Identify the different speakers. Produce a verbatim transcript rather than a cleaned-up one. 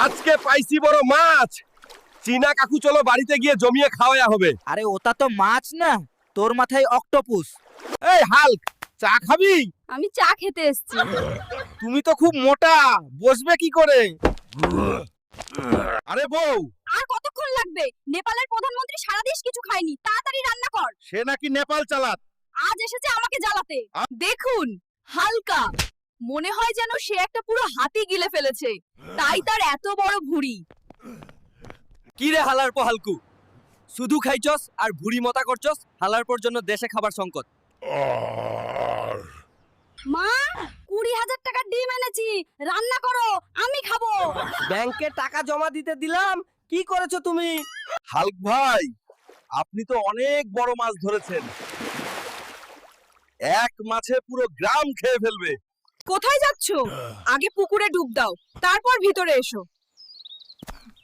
Speaker 1: আজকে পাইছি বড় মাছ। চীনা কাকু চলো বাড়িতে গিয়ে জমিয়ে খাওয়া হবে।
Speaker 2: আরে ওটা তো মাছ না, তোর মাথায় অক্টোপুস।
Speaker 1: এই হাল্ক, চা খাবি?
Speaker 3: আমি চা খেতে এসেছি।
Speaker 1: তুমি তো খুব মোটা, বসবে কি করে? আরে বউ,
Speaker 3: আর কতক্ষণ লাগবে? নেপালের প্রধানমন্ত্রী সারা দেশ কিছু খায়নি, তাড়াতাড়ি রান্না কর।
Speaker 1: সে নাকি নেপাল চালাত।
Speaker 3: আজ এসেছে আমাকে জ্বালাতে। দেখুন, হালকা মনে হয় যেন সে একটা পুরো হাতি গিলে ফেলেছে, তাই তার এত বড় ভুঁড়ি।
Speaker 2: কি রে হালার পো হালকু, শুধু খাইছস আর ভুড়ি মতা করছস। হালার পর জন্য দেশে খাবার সংকট।
Speaker 3: মা, কুড়ি হাজার টাকার ডিম এনেছি, রান্না করো, আমি খাবো।
Speaker 2: ব্যাংকে টাকা জমা দিতে দিলাম, কি করেছো তুমি?
Speaker 1: হাল্ক ভাই, আপনি তো অনেক বড় মাছ ধরেছেন। এক মাছে পুরো গ্রাম খেয়ে ফেলবে।
Speaker 3: কোথায় যাচ্ছো? আগে পুকুরে ডুব দাও, তারপর ভিতরে এসো।